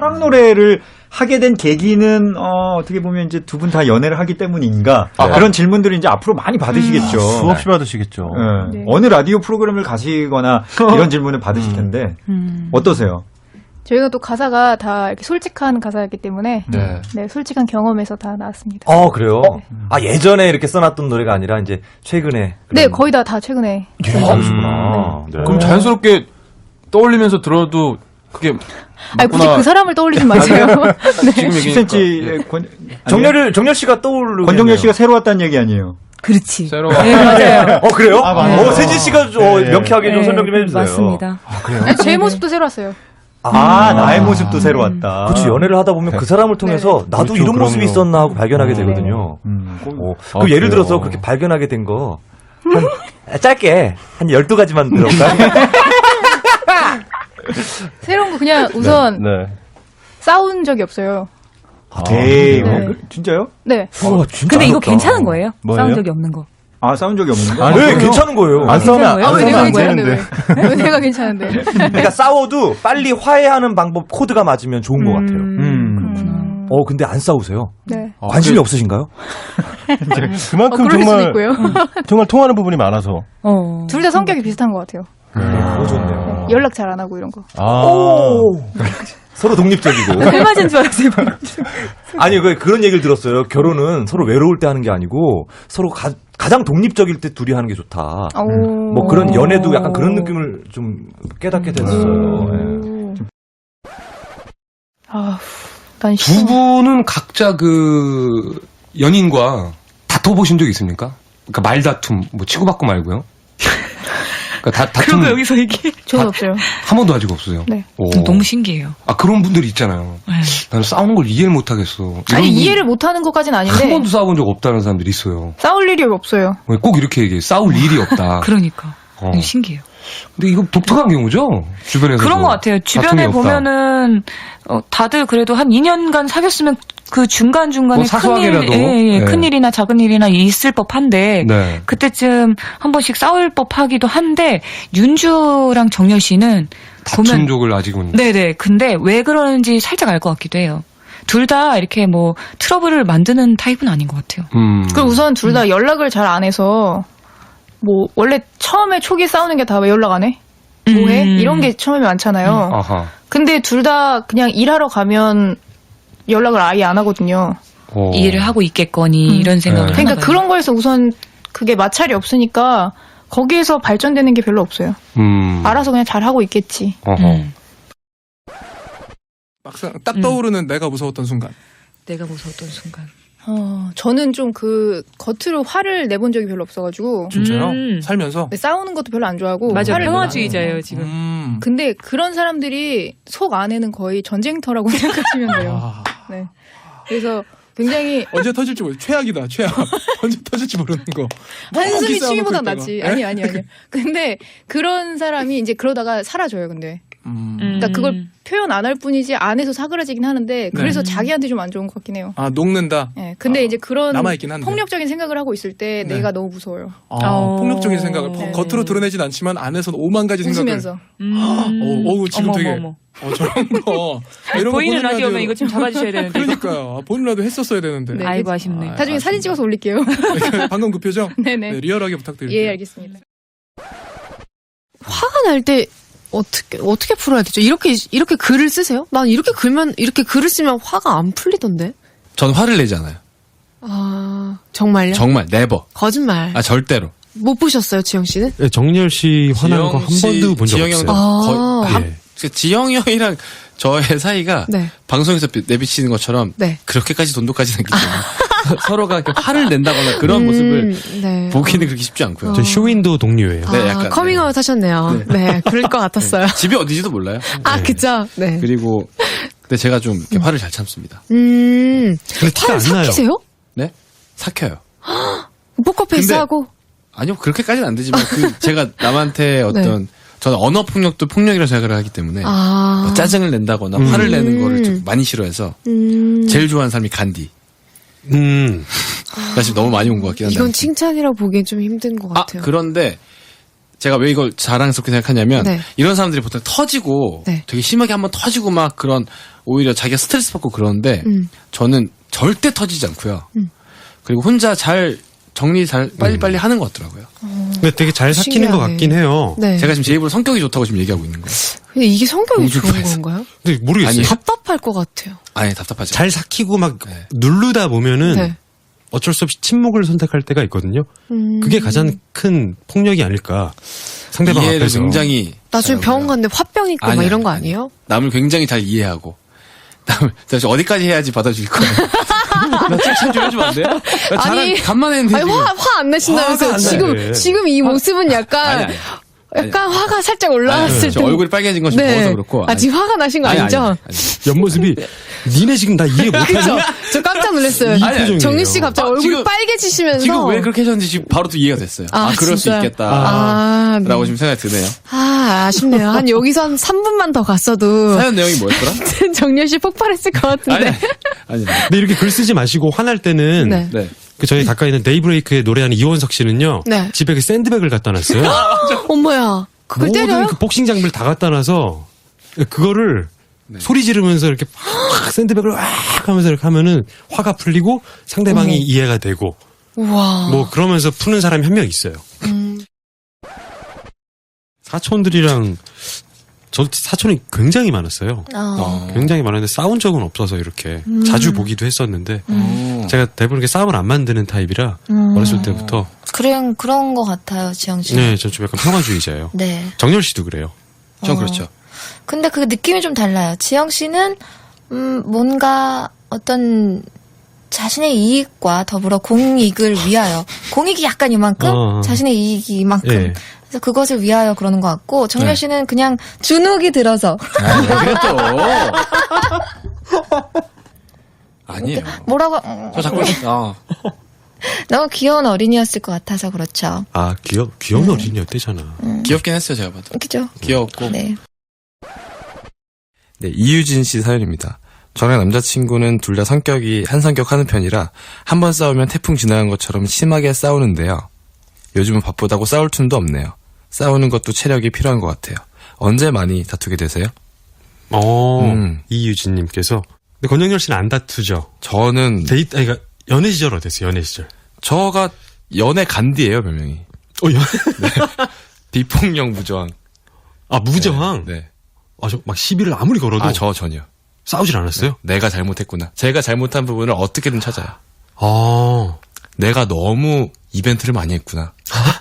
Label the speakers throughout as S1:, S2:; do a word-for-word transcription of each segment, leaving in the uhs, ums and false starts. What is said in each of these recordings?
S1: 사랑 노래를 하게 된 계기는 어, 어떻게 보면 이제 두 분 다 연애를 하기 때문인가 아, 그런 질문들을 이제 앞으로 많이 받으시겠죠.
S2: 음, 수없이 받으시겠죠.
S1: 네. 네. 어느 라디오 프로그램을 가시거나 이런 질문을 받으실 텐데 음. 어떠세요?
S3: 저희가 또 가사가 다 이렇게 솔직한 가사였기 때문에 네, 네 솔직한 경험에서 다 나왔습니다.
S4: 어 그래요? 네. 아 예전에 이렇게 써놨던 노래가 아니라 이제 최근에.
S3: 네 거의 다 다 최근에.
S4: 그러시구나.
S5: 네. 네. 그럼 자연스럽게 떠올리면서 들어도 그게.
S3: 아니 굳이 그 사람을 떠올리지 마세요.
S1: 네. 지금 십 센티미터 권
S4: 정렬을 정렬 씨가 떠오르.
S1: 권정열 씨가 새로 왔다는 얘기 아니에요?
S6: 그렇지.
S5: 새로.
S6: 네, 맞아요.
S4: 어 그래요?
S1: 아,
S4: 네. 어 세진 씨가 좀 네. 명쾌하게 좀 네. 설명 좀 해주세요.
S6: 맞습니다.
S1: 아, 그래요?
S3: 제 모습도 새로 왔어요.
S1: 아, 음. 나의 모습도 새로 왔다.
S4: 그렇지, 연애를 하다 보면 그 사람을 통해서 네. 나도 그렇죠, 이런 모습이 그럼요. 있었나 하고 발견하게 되거든요. 음. 어, 아, 그 예를 들어서 그렇게 발견하게 된 거, 한, 짧게, 한 열두 가지만 들어볼까요?
S3: 새로운 거 그냥 우선, 네. 네. 싸운 적이 없어요.
S1: 아, 에이, 네. 어, 진짜요?
S3: 네.
S6: 어, 진짜 근데 이거 괜찮은 거예요?
S1: 뭐예요?
S6: 싸운 적이 없는 거.
S1: 아, 싸운 적이 없는 거?
S4: 아, 네, 괜찮은 거예요.
S2: 안 싸우면 안,
S3: 안
S2: 싸우면 안
S3: 되는데. 왜 내가 괜찮은데?
S4: 그러니까 싸워도 빨리 화해하는 방법 코드가 맞으면 좋은 음, 것 같아요.
S6: 음, 그렇구나.
S4: 어, 근데 안 싸우세요?
S3: 네.
S4: 아, 관심이
S5: 그,
S4: 없으신가요?
S2: 그만큼
S3: 어,
S2: 정말,
S3: 음,
S2: 정말 통하는 부분이 많아서.
S3: 어. 둘 다 성격이 비슷한 것 같아요.
S4: 네, 그거 좋네요.
S3: 네. 연락 잘 안 하고 이런 거.
S2: 아.
S4: 오. 서로 독립적이고.
S6: 술 맞은 줄 알았어요.
S4: 아니, 그, 그런 얘기를 들었어요. 결혼은 서로 외로울 때 하는 게 아니고 서로 가, 가장 독립적일 때 둘이 하는 게 좋다. 음. 뭐 그런 연애도 약간 그런 느낌을 좀 깨닫게 됐어요. 음. 네.
S3: 아, 난
S5: 두 분은 각자 그 연인과 다퉈보신 적 있습니까? 그러니까 말다툼, 뭐 치고받고 말고요. 그러니까 다, 다툼.
S6: 그런 거 여기서 얘기해.
S3: 저는 없어요.
S5: 한 번도 아직 없어요.
S3: 네.
S5: 오.
S6: 너무 신기해요.
S5: 아, 그런 분들이 있잖아요. 네. 나는 싸우는 걸 이해를 못 하겠어.
S3: 아니, 이해를 못 하는 것까지는 아닌데.
S5: 한 번도 싸워본 적 없다는 사람들이 있어요.
S3: 싸울 일이 없어요.
S5: 꼭 이렇게 얘기해. 싸울 일이 없다.
S6: 그러니까.
S5: 어.
S6: 신기해요.
S5: 근데 이거 독특한 경우죠? 주변에서.
S6: 그런 것 같아요. 주변에 보면은, 어, 다들 그래도 한 이 년간 사귀었으면 그 중간중간에
S5: 뭐
S6: 큰일,
S5: 사소하게라도.
S6: 예, 예,
S5: 네.
S6: 큰일이나 작은 일이나 있을 법한데,
S5: 네.
S6: 그때쯤 한 번씩 싸울 법하기도 한데, 윤주랑 정열 씨는
S5: 다툰 적을 아직은.
S6: 네네. 근데 왜 그러는지 살짝 알 것 같기도 해요. 둘 다 이렇게 뭐 트러블을 만드는 타입은 아닌 것 같아요.
S5: 음.
S3: 그리고 우선 둘 다 음. 연락을 잘 안 해서, 뭐, 원래 처음에 초기 싸우는 게 다 왜 연락 안 해? 뭐해?
S6: 음.
S3: 이런 게 처음에 많잖아요.
S5: 음. 아하.
S3: 근데 둘 다 그냥 일하러 가면 연락을 아예 안 하거든요.
S5: 오.
S6: 이해를 하고 있겠거니,
S3: 음.
S6: 이런 생각을
S5: 네.
S3: 그러니까
S6: 하나 봐요.
S3: 그런 거에서 우선 그게 마찰이 없으니까 거기에서 발전되는 게 별로 없어요.
S5: 음.
S3: 알아서 그냥 잘 하고 있겠지.
S5: 어허.
S6: 음.
S7: 막상 딱 떠오르는 음. 내가 무서웠던 순간.
S6: 내가 무서웠던 순간.
S3: 어, 저는 좀 그 겉으로 화를 내본 적이 별로 없어가지고.
S7: 진짜요?
S6: 음.
S7: 살면서?
S3: 네, 싸우는 것도 별로 안 좋아하고.
S6: 맞아,
S3: 화를
S6: 평화주의자예요, 지금.
S7: 음.
S3: 근데 그런 사람들이 속 안에는 거의 전쟁터라고 생각하시면 돼요.
S7: 아.
S3: 네. 그래서 굉장히
S7: 언제 터질지 모르 최악이다, 최악. 언제 터질지 모르는 거.
S3: 한숨이
S7: 싸워놓고
S3: 취미보다
S7: 있다가.
S3: 낫지. 아니, 아니, 아니. 근데 그런 사람이 이제 그러다가 사라져요, 근데.
S7: 음.
S3: 그러니까 그걸 표현 안 할 뿐이지 안에서 사그라지긴 하는데 그래서
S7: 네.
S3: 자기한테 좀 안 좋은 것 같긴 해요.
S7: 아, 녹는다?
S3: 네. 근데
S7: 아,
S3: 이제 그런
S7: 남아있긴 한데.
S3: 폭력적인 생각을 하고 있을 때
S7: 네.
S3: 내가 너무 무서워요.
S7: 아,
S6: 어.
S7: 폭력적인 생각을
S3: 네.
S7: 겉으로 드러내진 않지만 안에서는 오만 가지 생각을.
S3: 웃으면서.
S6: 음.
S7: 어, 어우, 지금
S6: 어머,
S7: 되게.
S6: 어머, 어머.
S7: 어, 저런 거. 이런
S6: 보이는
S7: 거
S6: 라디오면 이거 좀 잡아주셔야 되는데.
S7: 그러니까요. 보이는 라디오 했었어야 되는데.
S3: 네.
S6: 아이고, 아쉽네.
S7: 아,
S3: 나중에
S7: 아,
S3: 사진 찍어서 올릴게요.
S7: 방금 그 표정?
S3: 네네.
S7: 네, 리얼하게 부탁드릴게요.
S3: 예, 알겠습니다.
S8: 화가 날 때 어떻게 어떻게 풀어야 되죠? 이렇게 이렇게 글을 쓰세요? 난 이렇게 글면 이렇게 글을 쓰면 화가 안 풀리던데.
S9: 전 화를 내지 않아요.
S8: 아 정말요?
S9: 정말 네버.
S8: 거짓말.
S9: 아 절대로.
S8: 못 보셨어요, 지영 씨는?
S2: 네, 정렬 씨 화나는 거 한 번도 본 적
S9: 지영
S2: 없어요.
S9: 형도
S8: 아.
S9: 거의. 예. 그 지영 형이랑 저의 사이가
S8: 네.
S9: 방송에서 내비치는 것처럼
S8: 네.
S9: 그렇게까지 돈독하지 않기 때문에 서로가 이렇게 화를 낸다거나 그런
S8: 음,
S9: 모습을
S8: 네.
S9: 보기는 그렇게 쉽지 않고요.
S2: 저 쇼윈도 동료예요.
S8: 아,
S9: 네, 약간,
S8: 커밍아웃 하셨네요. 네. 그럴 것 같았어요.
S9: 집이 어디지도 몰라요.
S8: 아, 그죠? 네.
S9: 그리고 근데 제가 좀 이렇게 화를 잘 참습니다.
S8: 음.
S2: 근데 티가
S8: 화를
S2: 안 나요.
S8: 삭히세요?
S9: 네? 삭혀요.
S8: 포커페이스
S9: 근데-
S8: 하고.
S9: 아니요 그렇게까지는 안 되지만 그 제가 남한테 어떤 저는 언어 폭력도 폭력이라고 생각을 하기 때문에
S8: 아.
S9: 뭐 짜증을 낸다거나
S2: 음.
S9: 화를 내는 거를 좀 많이 싫어해서
S8: 음.
S9: 제일 좋아하는 사람이 간디.
S2: 음.
S9: 사실 너무 많이 온 것 같긴 한데.
S8: 이건 칭찬이라고 보기엔 좀 힘든 것
S9: 아
S8: 같아요.
S9: 그런데 제가 왜 이걸 자랑스럽게 생각하냐면
S8: 네.
S9: 이런 사람들이 보통 터지고
S8: 네.
S9: 되게 심하게 한번 터지고 막 그런 오히려 자기가 스트레스 받고 그러는데
S8: 음.
S9: 저는 절대 터지지 않고요.
S8: 음.
S9: 그리고 혼자 잘 정리 잘 빨리빨리 하는 것 같더라고요.
S2: 근데 되게 잘 삭히는 것
S8: 신기하네.
S2: 같긴 해요.
S8: 네.
S9: 제가 지금 제 입으로 성격이 좋다고 지금 얘기하고 있는 거예요.
S8: 근데 이게 성격이
S9: 공주
S8: 좋은
S9: 프레스.
S8: 건가요?
S2: 근데 모르겠어요.
S9: 아니,
S8: 답답할 것 같아요.
S9: 아니 답답하죠.
S2: 잘 삭히고 막
S9: 네.
S2: 누르다 보면은
S8: 네.
S2: 어쩔 수 없이 침묵을 선택할 때가 있거든요.
S8: 음.
S2: 그게 가장 큰 폭력이 아닐까. 상대방
S9: 이해를
S2: 앞에서.
S9: 굉장히
S8: 나중에
S9: 잘하고요.
S8: 병원 갔는데 화병 있고 막
S9: 아니,
S8: 이런 거
S9: 아니,
S8: 아니에요?
S9: 남을 굉장히 잘 이해하고 남을 도대체 어디까지 해야지 받아줄 거예요. 나 칭찬 좀 해주면 안 돼요? 나 자랑
S8: 아니,
S9: 간만에 했는데
S8: 아니
S9: 지금.
S8: 화 화 안 내신다면서요?
S2: 화가 안
S8: 지금
S2: 나네.
S8: 지금 이 모습은 약간
S9: 아니, 아니.
S8: 약간 화가 살짝
S9: 아니,
S8: 올라왔을
S9: 저
S8: 때
S9: 얼굴이 빨개진 건 좀
S8: 네.
S9: 더워서 그렇고.
S8: 아 지금 화가 나신 거
S9: 아니,
S8: 아니죠?
S9: 아니, 아니, 아니.
S2: 옆모습이 니네 지금 나 이해 못하죠?
S8: 그죠? 저 깜짝 놀랐어요.
S2: 이 표정이에요.
S8: 정윤 씨 갑자기
S9: 아,
S8: 얼굴
S9: 지금-
S8: 빨개지시면서
S9: 지금 왜 그렇게 하셨는지 지금 바로 또 이해가 됐어요. 아,
S8: 아,
S9: 그럴
S8: 진짜요?
S9: 수 있겠다.
S8: 아, 네.
S9: 라고 지금 생각이 드네요.
S8: 아, 아쉽네요. 한 여기서 한 삼 분만 더 갔어도
S9: 사연 내용이 뭐였더라?
S8: 정윤 씨 폭발했을 것
S9: 아니,
S8: 같은데.
S9: 아니, 아니.
S2: 근데 이렇게 글 쓰지 마시고 화날 때는
S8: 네.
S9: 네.
S2: 그 저희 가까이 있는 데이브레이크에 노래하는 이원석 씨는요.
S8: 네.
S2: 집에 그 샌드백을 갖다 놨어요.
S8: 어머야. 그걸
S2: 모든
S8: 때려요?
S2: 그 복싱 장비를 다 갖다 놔서 그거를
S9: 네.
S2: 소리 지르면서 이렇게 팍 샌드백을 왁 하면서 이렇게 하면은 화가 풀리고 상대방이
S8: 어머.
S2: 이해가 되고
S8: 우와.
S2: 뭐 그러면서 푸는 사람이 한 명 있어요.
S8: 음.
S2: 사촌들이랑 저 사촌이 굉장히 많았어요.
S8: 어.
S2: 굉장히 많았는데 싸운 적은 없어서 이렇게
S8: 음.
S2: 자주 보기도 했었는데
S9: 어.
S2: 제가 대부분 이렇게 싸움을 안 만드는 타입이라
S8: 음.
S2: 어렸을 때부터
S10: 그런 그런 것 같아요, 지영 씨.
S2: 네, 저 좀 약간 평화주의자예요.
S10: 네.
S2: 정열 씨도 그래요.
S9: 전
S10: 어.
S9: 그렇죠.
S10: 근데 그 느낌이 좀 달라요. 지영 씨는 음 뭔가 어떤 자신의 이익과 더불어 공익을 위하여 공익이 약간 이만큼
S2: 어.
S10: 자신의 이익이 이만큼
S2: 예.
S10: 그래서 그것을 위하여 그러는 것 같고 정열
S9: 네.
S10: 씨는 그냥 주눅이 들어서
S9: 아, 왜 그래 또? 아니에요.
S10: 뭐라고 음,
S9: 저 자꾸 아,
S10: 너무 귀여운 어린이였을 것 같아서 그렇죠.
S2: 아, 귀여, 귀여운 어린이였대잖아.
S9: 귀엽긴 했어요, 제가 봐도.
S10: 그죠?
S9: 귀여웠고.
S10: 네.
S11: 네, 이유진 씨 사연입니다. 저랑 남자친구는 둘 다 성격이 한 성격 하는 편이라 한 번 싸우면 태풍 지나간 것처럼 심하게 싸우는데요. 요즘은 바쁘다고 싸울 틈도 없네요. 싸우는 것도 체력이 필요한 것 같아요. 언제 많이 다투게 되세요?
S2: 어,
S11: 음.
S2: 이유진님께서. 근데 권영열 씨는 안 다투죠?
S11: 저는
S2: 데이트, 아니, 그러니까 연애 시절 어땠어요, 연애 시절?
S11: 저가 연애 간디예요, 별명이.
S2: 어, 연
S11: 비폭력 무저항.
S2: 아, 무저항?
S11: 네.
S2: 아, 저 막 시비를 아무리 걸어도.
S11: 아, 저 전혀.
S2: 싸우질 않았어요?
S11: 내가 잘못했구나. 제가 잘못한 부분을 어떻게든 찾아요.
S2: 아.
S11: 내가 너무 이벤트를 많이 했구나.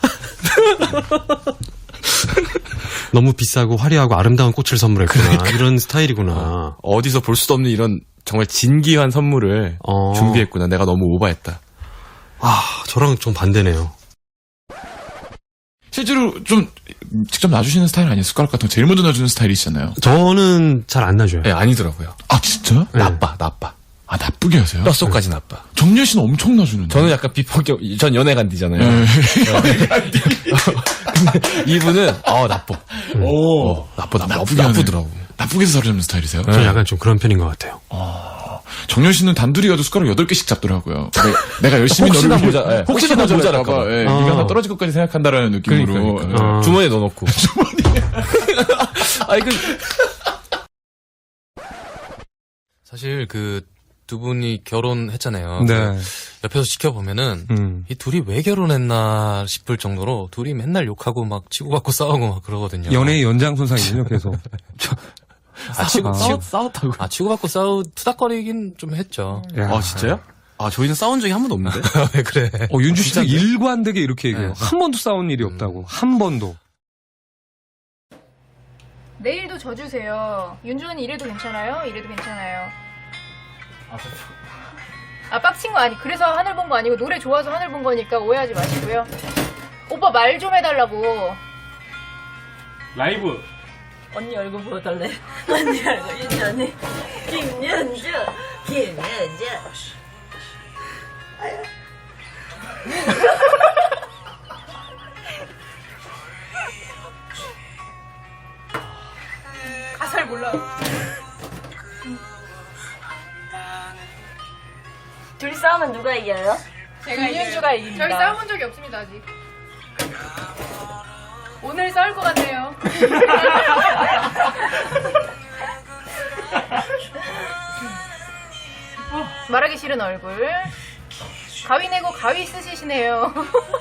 S2: 너무 비싸고 화려하고 아름다운 꽃을 선물했구나. 이런 스타일이구나.
S11: 어디서 볼 수도 없는 이런 정말 진귀한 선물을
S2: 어.
S11: 준비했구나. 내가 너무 오버했다.
S2: 아, 저랑 좀 반대네요.
S12: 실제로 좀 직접 놔주시는 스타일 아니에요? 숟가락 같은 거 제일 먼저 놔주는 스타일이시잖아요.
S2: 저는 잘 안 놔줘요.
S11: 네, 아니더라고요.
S12: 아 진짜?
S2: 네.
S11: 나빠, 나빠.
S12: 아 나쁘게 하세요?
S11: 뼛속까지 나빠.
S12: 정렬 씨는 엄청 놔주는데.
S11: 저는 약간 비폭격, 전 연애 간디잖아요.
S12: 네.
S11: 근데 이분은, 어, 나빠.
S12: 오.
S11: 어, 나빠, 나빠.
S12: 나쁘게
S11: 나쁘더라고.
S12: 나쁘게 해서 사로잡는 스타일이세요?
S2: 저는 약간 좀 그런 편인 것 같아요.
S12: 정렬 씨는 단둘이 가도 숟가락 여덟 개씩 잡더라고요. 내가, 내가 열심히
S11: 혹시나
S12: 너를
S11: 모자, 예.
S12: 혹시나
S11: 혹시나
S12: 모자랄까봐.
S11: 모자랄까봐.
S12: 예,
S2: 어.
S12: 네가 하나 떨어질 것까지 생각한다라는 느낌으로.
S11: 그러니까, 그러니까.
S2: 어.
S11: 주머니에 넣어놓고. 아니, 그.
S13: 사실 그 두 분이 결혼했잖아요.
S5: 네.
S13: 옆에서 지켜보면은
S2: 음.
S13: 이 둘이 왜 결혼했나 싶을 정도로 둘이 맨날 욕하고 막 치고받고 싸우고 막 그러거든요.
S5: 연애의 연장선상이군요, 계속.
S13: 아, 치고,
S5: 아.
S13: 치고 싸웠다고. 아, 치고받고 싸우, 투닥거리긴 좀 했죠.
S11: 아, 진짜요? 아, 저희는 싸운 적이 한 번도 없는데?
S13: 왜 그래?
S5: 어, 윤주 씨가 일관되게 이렇게 얘기해요.
S13: 네.
S5: 한 번도 싸운 일이 없다고. 한 번도.
S3: 내일도 져주세요. 윤주는 이래도 괜찮아요? 이래도 괜찮아요. 아, 빡친 거 아니. 그래서 하늘 본 거 아니고 노래 좋아서 하늘 본 거니까 오해하지 마시고요. 오빠 말 좀 해달라고.
S7: 라이브.
S14: 언니 얼굴 보여달래. 언니 얼굴 윤주 언니. 김윤주. 김윤주.
S3: 가사를 몰라.
S14: 둘이 싸우면 누가 이겨요?
S3: 제가 김윤주가 이깁니다. 저희 싸워본 적이 없습니다, 아직. 오늘 싸울 것 같네요. 말하기 싫은 얼굴. 가위 내고 가위 쓰시시네요.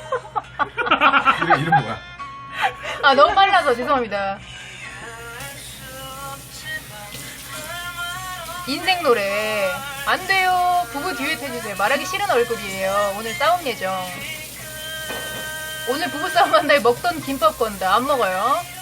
S12: 이름, 이름 뭐야?
S3: 아, 너무 빨라서 죄송합니다. 인생 노래. 안 돼요. 부부 듀엣 해주세요. 말하기 싫은 얼굴이에요. 오늘 싸움 예정. 오늘 부부싸움 한다에 먹던 김밥 건다. 안 먹어요.